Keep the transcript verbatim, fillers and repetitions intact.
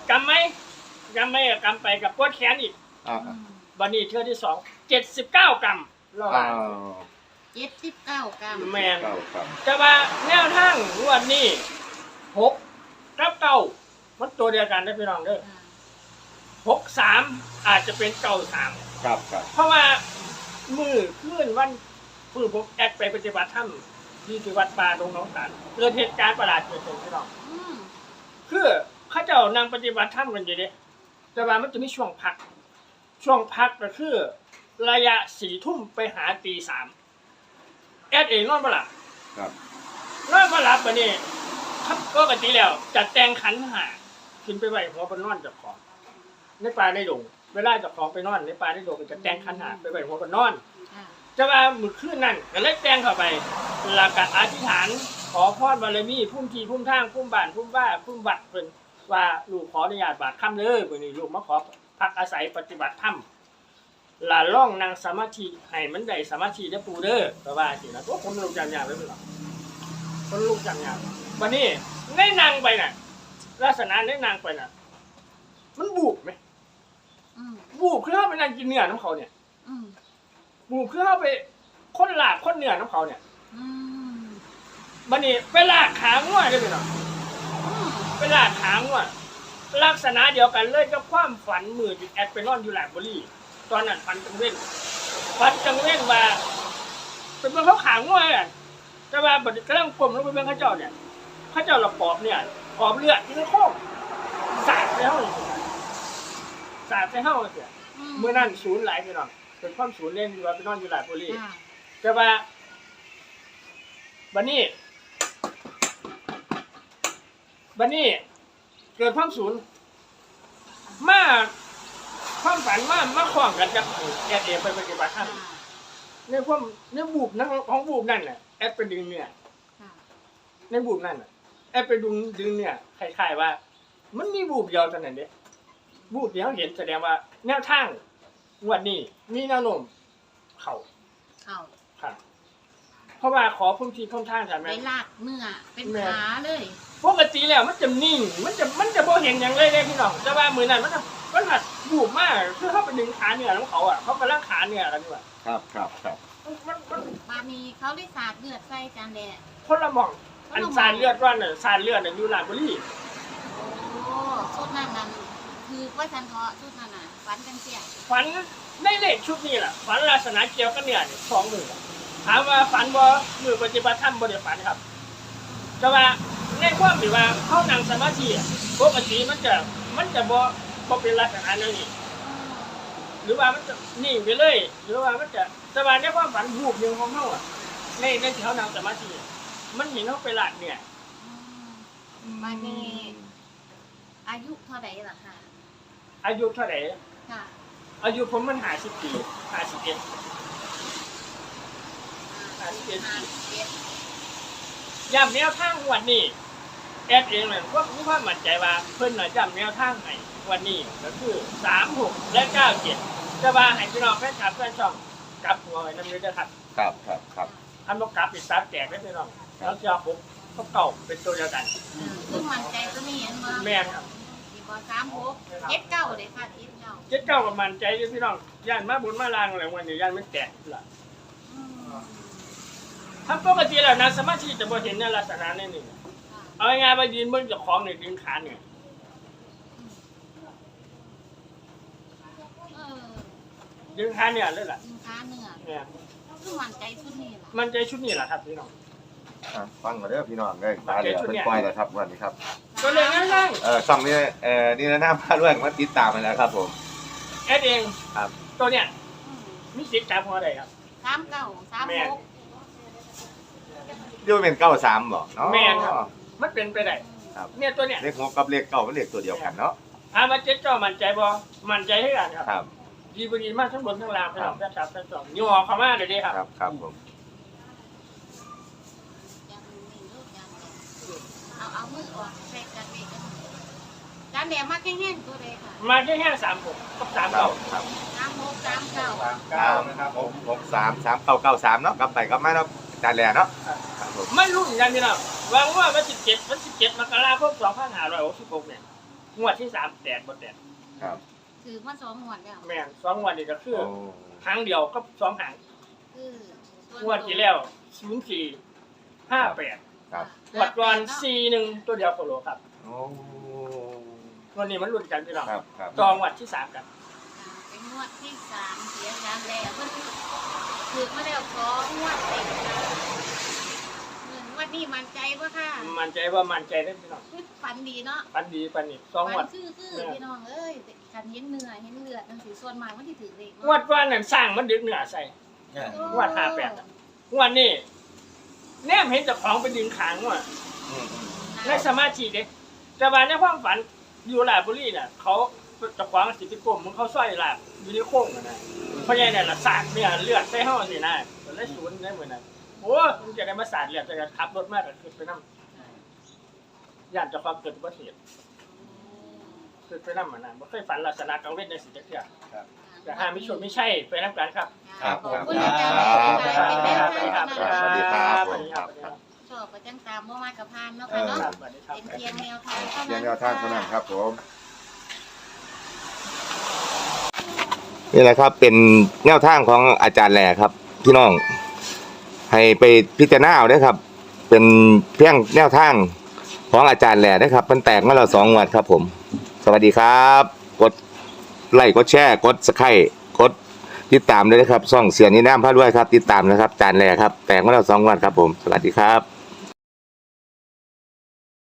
กำไหมกำไหมกำไปกับปวดแขนอีกอ่าวันนี้เทื่อที่สองเจ็ดสิบเก้ากรัมรออ่าเจ็ดสิบเก้ากรัมแมนเก้าครับแต่ว่าแนวทางงวดนี้หกกับเก้ามันตัวเดียวกันได้พี่น้องเด้ออ่าหกสามอาจจะเป็นเก้าสามครับครับเพราะว่ามือขึ้นวันฟื้นผมแอดไปปฏิบัติธรรมที่ที่วัดป่าตรงหน้องตาลเกิดเหตุการณ์ประหลาดเกิดขึ้นพี่น้องอืมคือเขาเจ้านางปฏิบัติธรรมกันอยู่เด้แต่ว่ามันจะมีช่วงพัก ช่วงพักก็คือระยะสี่ทุ่มไปหาตีสามแอดเองนอนมาหลับครับนอนมาหลับปะนี่ครับก็กติแล้วจัดแต่งขันหาขึ้นไปไหวหัวบนนอนจับของในป่าในดงเวลาจับของไปนอนในป่าในดงก็จะแต่งขันหาไปไหวหัวบนนอนอ่าจะว่ามือขึ้นนั่นก็เลยแต่งเข้าไปหลักการอธิษฐานขอพรบารมีพุ่มทีพุ่มทางพุ่มบ้านพุ่มบ้าพุ่มวัดเพิ่นว่าลูกขออนุญาตบาดค่ำเด้อมื้อนี้ลูกมาขอพักอาศัยปฏิบัติธรรมลาล่องนั่งสมาธิให้มันได้สมาธิได้ปูเด้อก็ว่าสินะตัวผมลูกจำยากไว้เพิ่นหรอกคนลูกจำยากวันนี้ได้นั่งไปน่ะลักษณะได้นั่งไปน่ะมันบูบไหมอืมบูบคือเฮาไปนั่งกินเนื้อน้ำเขาเนี่ยอืมบูบคือเฮาไปคนลากคนเนื้อน้ำเขาเนี่ยอืมบันนี้ไปลากขาง่วได้ไหมเนาะอืมไปลากขาง่วลักษณะเดียวกันเลยกับความฝันมือจิตแอดไปนอนอยู่หลาดบุรีตอนนั้นฝันจังเว้นฝันจังเว้นว่าเป็นเมื่อเขาขาง่วอ่ะแต่ว่าบัดนี้กำลังกลมลงไปเมื่อเขาเจ้าเนี่ยเขาเจ้าเราปอบเนี่ยปอบเลือดที่โค้งสาดไปเท่าเลยสาดไปเท่าเลยอืมเมื่อนั้นศูนย์หลายพี่น้องเป็นความศูนย์เล่นอยู่ว่าไปนอนอยู่หลาดบุรีอ่าแต่ว่าบันนี้บันนี้เกิดความสูญมาความฝันมามาคล้องกันกับแอดเอไปปฏิบัติธรรมอ่าในความในบูบนั่นของบูบนั่นน่ะแอดไปดึงเนี่ยค่ะในบูบนั่นน่ะแอดไปดึงดึงเนี่ยคล้ายๆว่า มันมีบูบเดียวเท่านั้นเด้บูบเดียวเห็นแสดงว่าแนวทางงวดนี้มีแนวโน้มเข้าเข้าครับเพราะว่าขอพุ่มทีพุ่มทางใช่ไหมไปลากเนื้อเป็นแม่ขาเลยปกติแล้วมันจะนิ่ง มันจะมันจะบ่เห็นอย่างเลยเลยพี่น้องแต่ว่ามือนั้นมันจะมันหัดบูบมากคือเขาไปดึงขาเนื้อของเขาอ่ะเขากำลังขาเนื้อกันอยู่อ่ะครับครับครับมันมันมันบานี้เขาได้สาดเลือดใส่จานแดดคนละหมองอันสารเลือดว่าน่ะสารเลือดน่ะอยู่ลาดบุรีโอ้ชุดนั้นนั่นคือว่าฉันเทาะชุดนั้นน่ะฝันกันเสียฝันในเลขชุดนี้แหละฝันลักษณะเกี่ยวกับเนื้อนี่สองมือถามว่าฝันบ่มือปฏิบัติธรรมบ่ได้ฝันครับแต่ว่าในความที่ว่าเขานั่งสมาธิอะปกติมันจะมันจะบ่บ่เป็นลักษณะนั้นนี่ หรือว่ามันจะนิ่งไปเลย หรือว่ามันจะสบายในความฝันบูบหนึ่งของเขาอ่ะในในที่เขานั่งสมาธิอะมันเห็นเขาไปหลาดเนี่ยอืมบานี้อายุเท่าไหร่ล่ะค่ะอายุเท่าไหร่ค่ะอายุผมมันหาสิบปีหาสิบเอ็ดอ่าห้าสิบเอ็ดห้าสิบเอ็ดย้ำแนวทางวันนี้แอดเองเลยก็มีความมั่นใจว่าเพิ่นน่ะย้ำแนวทางให้วันนี้ก็คือสามหกและเก้าเจ็ดจะว่าให้พี่น้องแฟนคลับแฟนช่องกลับหัวไว้น้ำเยอะด้วยครับครับครับครับอันบอกกลับปิดซับแจกได้พี่น้องแล้วจะหกเขาเก่าเป็นตัวเดียวกันอืมซึ่งมั่นใจตัวนี้เห็นบ่แม่นครับที่บ่สามหกเจ็ดเก้าเลยค่ะเจ็ดเก้าเจ็ดเก้ากับมันใจด้วยพี่น้องย่านมาบุญมาลางอะไรวันนี้ย่านไม่แตกละอืมถ้าปกติแล้วนะสมาธิจะบ่เห็นในลักษณะนี้นี่ค่ะเอาง่ายๆไปยืนเบิ่งเจ้าของเนี่ยดึงขาเนี่ยเออดึงขาเนี่ยเลยล่ะสินค้าเนื้อเนี่ยคือมั่นใจชุดนี้ล่ะมันใจชุดนี้แหละครับพี่น้องอ่ะฟังมาเด้อพี่น้องเลยตาเหลือเป็นปล่อยแล้วครับวันนี้ครับก็เลยนั่งเออช่องนี้เอ่อนี่นะหน้าพาด้วยมาติดตามมาแล้วครับผมๆแอดเองครับตัวเนี่ยอืมมีสิทธิ์จับหัวได้ครับสามเก้าสามแม่หกเดี๋ยวเป็นเก้าสามบ่เนาะแม่นครับ มันเป็นไปได้ครับเนี่ยตัวเนี่ยเลขหกกับเลขเก้ามันเลขตัวเดียวกันเนาะถามว่าเจ็ดเจ้ามั่นใจบ่มั่นใจให้กันครับครับดีบดีมากทั้งบนทั้งล่างพี่น้องแฟนคลับแฟนช่องย่อเข้ามาเลยเด้ครับครับครับผมยังมีลูกยังเอาเอามือออกใส่กันเวกันจานแดงมาแห้งๆตัวเลยค่ะมาแค่แค่สามหกกับสามเก้าเก้าครับสามหกสามเก้าเก้านะครับผมหกสามสามเก้าเก้าสามเนาะกลับไปกลับมาเนาะจานแหล่เนาะครับผมไม่รู้เหมือนกันพี่น้องวางว่าวันสิบเจ็ดวันสิบเจ็ดมกราคมสองพันห้าร้อยหกสิบหกเนี่ยงวดที่สามแตกบ่แตกครับถือมาสองงวดแล้วแม่นสองงวดนี่ก็คือโอ้ครั้งเดียวก็สองหางคือส่นงวดที่แล้วศูนย์สี่ห้าแปดครับงวดก่อนสี่หนึ่งตัวเดียวโคโลครับโอ้วันนี้มันรุ่นกันพี่น้องครับครับต่องวดที่สามกันเป็นงวดที่สามเสียงดังแล้วเพิ่นถือมาแล้วสองงวดติดกันเงินวันนี้มั่นใจปะค่ะมันใจว่ามันใจได้พี่น้องฝันดีเนาะปันดีปันนี่สองงฝัวดนคือคือพี่น้องเอ้ยกันเห็นเนื้อเห็นเลือดจังสีส่วนมากมันที่ถือเลขงวดก่อนนั่นสร้างมันดึกเหนือใส่งวดห้าแปดอะงวดนี้แนมเห็นเจ้าของไปดึงขางว่ะอืมอืมในสมาธิเด็กแต่ว่าในความฝันอยู่ลาดบุรีน่ะเขาเจ้าของสิทธิกรมมึงเขาสร้อยลาบอยู่ในโค้งน่ะนะเพราะงั้นน่ะละสาดเนี่ยเลือดใส่ห้องสินะมันเลยศูนย์ได้เหมือนนั้นโอ้มึงจะได้มาสาดเลือดจะขับรถมากก็คือไปนั่งย่านเจ้าของเกิดอุบัติเหตุคือไปนั่งมานานไม่เคยฝันลักษณะกังเวทในสิ่งเดียวแต่ห้ามิชนไม่ใช่ไปนั่งกันครับครับขอบครับคุณอาจารย์แม่เป็นแม่ท่านสวัสดีครับผมครับชอบประจังตามเมื่อวานกับพานเนาะเอค่ะอเนาะสวัสดีครับเป็นเพียงแนวทางเท่าเพียนั้งนแนวทางเท่านั้นครับผมนี่แหละครับเป็นแนวทางของอาจารย์แหล่ครับ พี่น้องให้ไปพิจารณาเอาเด้อครับ เป็นเพียงแนวทางของอาจารย์แหล่นะครับมันแตกมาแล้วสองงวดครับผม สวัสดีครับ กดไลค์กดแชร์กดสไครต์กดติดตามด้วยนะครับช่องเสียงนี้น้ำพาด้วยครับ ติดตามนะครับอาจารย์แหล่ครับแตกมาแล้วสองงวดครับผม สวัสดีครับ